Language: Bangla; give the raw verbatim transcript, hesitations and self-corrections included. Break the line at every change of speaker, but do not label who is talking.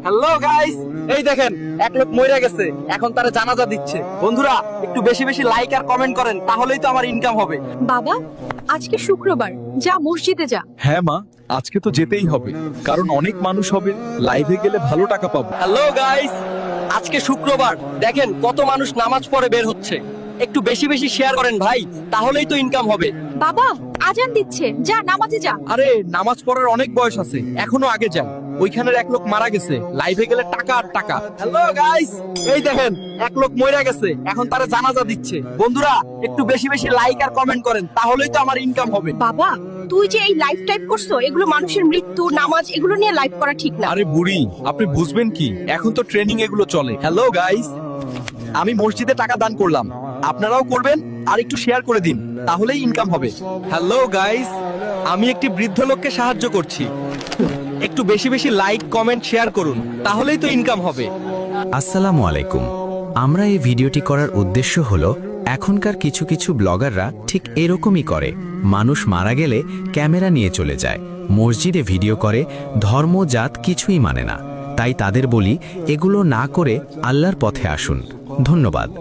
হ্যালো গাইস, এই দেখেন এক লোক মইরা গেছে, এখন তারা জানাজা দিচ্ছে। বন্ধুরা একটু বেশি বেশি লাইক আর কমেন্ট করেন, তাহলেই তো আমার ইনকাম হবে।
বাবা, আজকে শুক্রবার, যা মসজিদে যা।
হ্যাঁ মা, আজকে তো যেতেই হবে, কারণ অনেক মানুষ হবে, লাইভে গেলে ভালো টাকা পাবো।
হ্যালো গাইস, আজকে শুক্রবার, দেখেন কত মানুষ নামাজ পড়ে বের হচ্ছে। একটু বেশি বেশি শেয়ার করেন ভাই, তাহলেই তো ইনকাম হবে।
বাবা, আজান দিচ্ছে, যা নামাজে যা।
আরে নামাজ পড়ার অনেক বয়স আছে, এখনো আগে যাই। ওইখানের এক লোক মারা গেছে, লাইভে গেলে টাকা আর টাকা।
হ্যালো গাইস, এই দেখেন এক লোক মইরা গেছে, এখন তারা জানাজা দিচ্ছে। বন্ধুরা একটু বেশি বেশি লাইক আর কমেন্ট করেন, তাহলেই তো আমার ইনকাম হবে।
বাবা, তুই যে এই লাইফ টাইপ করছো, এগুলো মানুষের মৃত্যু, নামাজ, এগুলো নিয়ে লাইভ করা ঠিক না।
আরে বুড়ি, আপনি বুঝবেন কি, এখন তো ট্রেনিং এগুলো চলে।
হ্যালো গাইস, আমি মসজিদে টাকা দান করলাম, আপনারাও করবেন আর একটু শেয়ার করে দিন, তাহলেই ইনকাম হবে। হ্যালো গাইস, আমি একটি বৃদ্ধ লোককে সাহায্য করছি, একটু বেশি বেশি লাইক কমেন্ট শেয়ার করুন, তাহলেই তো ইনকাম হবে।
আসসালামু আলাইকুম। আমরা এই ভিডিওটি করার উদ্দেশ্য হলো, এখনকার কিছু কিছু ব্লগাররা ঠিক এরকমই করে। মানুষ মারা গেলে ক্যামেরা নিয়ে চলে যায়, মসজিদে ভিডিও করে, ধর্ম জাত কিছুই মানে না। তাই তাদের বলি, এগুলো না করে আল্লাহর পথে আসুন। ধন্যবাদ।